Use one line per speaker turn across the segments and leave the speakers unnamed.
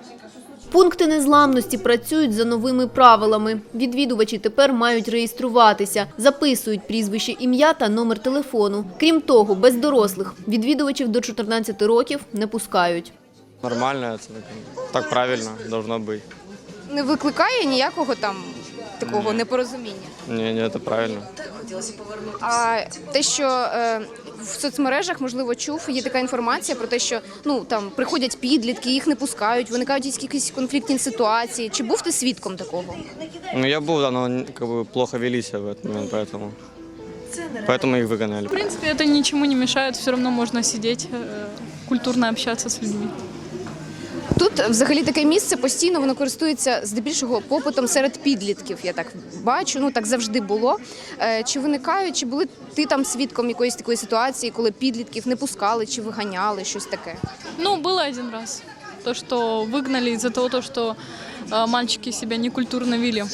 Пункти незламності працюють за новими правилами. Відвідувачі тепер мають реєструватися, записують прізвище, ім'я та номер телефону. Крім того, без дорослих відвідувачів до 14 років не пускають.
Нормально, це так правильно, должно бути.
Не викликає ніякого там такого непорозуміння?
Ні, це правильно.
А те, що в соцмережах, можливо, чув, є така інформація про те, що там приходять підлітки, їх не пускають, виникають якісь конфліктні ситуації. Чи був ти свідком такого?
Я був, але плохо вели себя в этот момент, поэтому их выгоняли.
В принципе, это ничему не мешает, все равно можно сидеть, культурно общаться с людьми.
Тут взагалі таке місце постійно воно користується здебільшого попитом серед підлітків. Я так бачу, так завжди було. Чи виникають, чи були ти там свідком якоїсь такої ситуації, коли підлітків не пускали чи виганяли, щось таке?
Было один раз. То, что выгнали из-за того, что мальчики себя некультурно вели.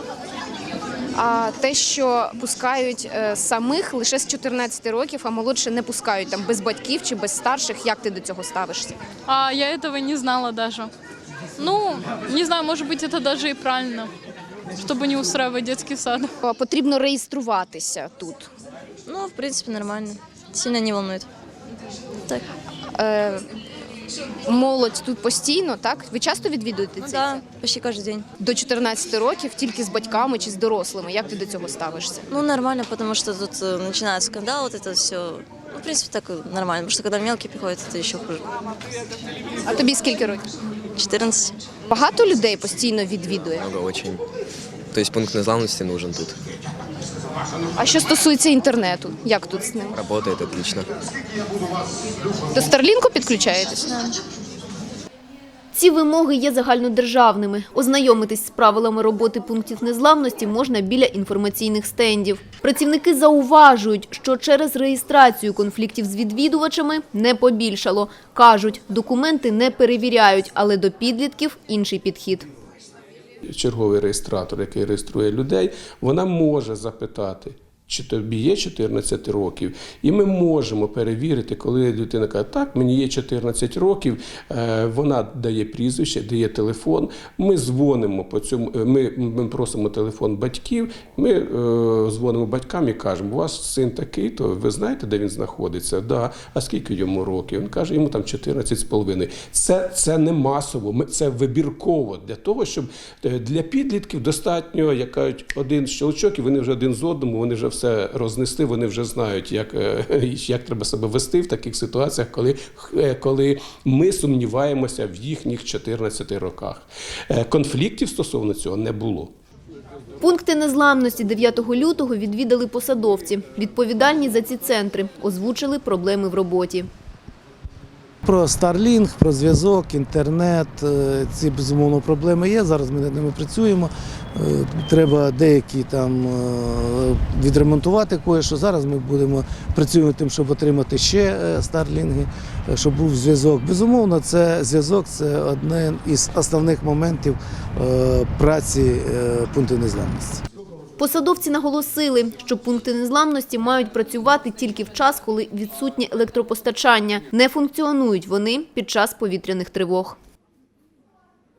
А те, що пускають самих лише з 14 років, а молодше не пускають там без батьків чи без старших, як ти до цього ставишся?
А я этого не знала даже. Не знаю, может быть, это даже и правильно, чтобы не устраивать детский сад.
Потрібно реєструватися тут.
В принципе, нормально. Сильно не волнует. Так.
Молодь тут постійно, так? Ви часто відвідуєте це?
Да, почти каждый день.
До 14 років тільки з батьками чи з дорослими. Як ти до цього ставишся?
Нормально, потому что тут начинают скандал, вот это все. В принципе, так нормально, потому что когда мелкие приходят, это еще хуже.
А тобі скільки років?
14.
Багато людей постійно відвідує.
Много очень. То есть пункт незламности нужен тут.
А що стосується інтернету, як тут з ним?
Работает отлично.
До Старлінку підключаєтесь?
Ці вимоги є загальнодержавними. Ознайомитись з правилами роботи пунктів незламності можна біля інформаційних стендів. Працівники зауважують, що через реєстрацію конфліктів з відвідувачами не побільшало. Кажуть, документи не перевіряють, але до підлітків інший підхід.
Черговий реєстратор, який реєструє людей, вона може запитати, чи тобі є 14 років. І ми можемо перевірити, коли людина каже, так, мені є 14 років, вона дає прізвище, дає телефон, ми дзвонимо по цьому, ми просимо телефон батьків, ми дзвонимо батькам і кажемо, у вас син такий, то ви знаєте, де він знаходиться? Да. А скільки йому років? Він каже, йому там 14,5. Це не масово, це вибірково, для того, щоб для підлітків достатньо, як кажуть, один щелчок, і вони вже один з одному, вони вже все рознесли, вони вже знають, як треба себе вести в таких ситуаціях, коли ми сумніваємося в їхніх 14 роках. Конфліктів стосовно цього не було.
Пункти незламності 9 лютого відвідали посадовці. Відповідальні за ці центри озвучили проблеми в роботі.
Про Starlink, про зв'язок, інтернет, ці, безумовно, проблеми є. Зараз ми над ними працюємо. Треба деякі там відремонтувати кое-що. Зараз ми працюємо над тим, щоб отримати ще Starlink, щоб був зв'язок. Безумовно, зв'язок – це один із основних моментів праці пунктів незламності.
Посадовці наголосили, що пункти незламності мають працювати тільки в час, коли відсутнє електропостачання. Не функціонують вони під час повітряних тривог.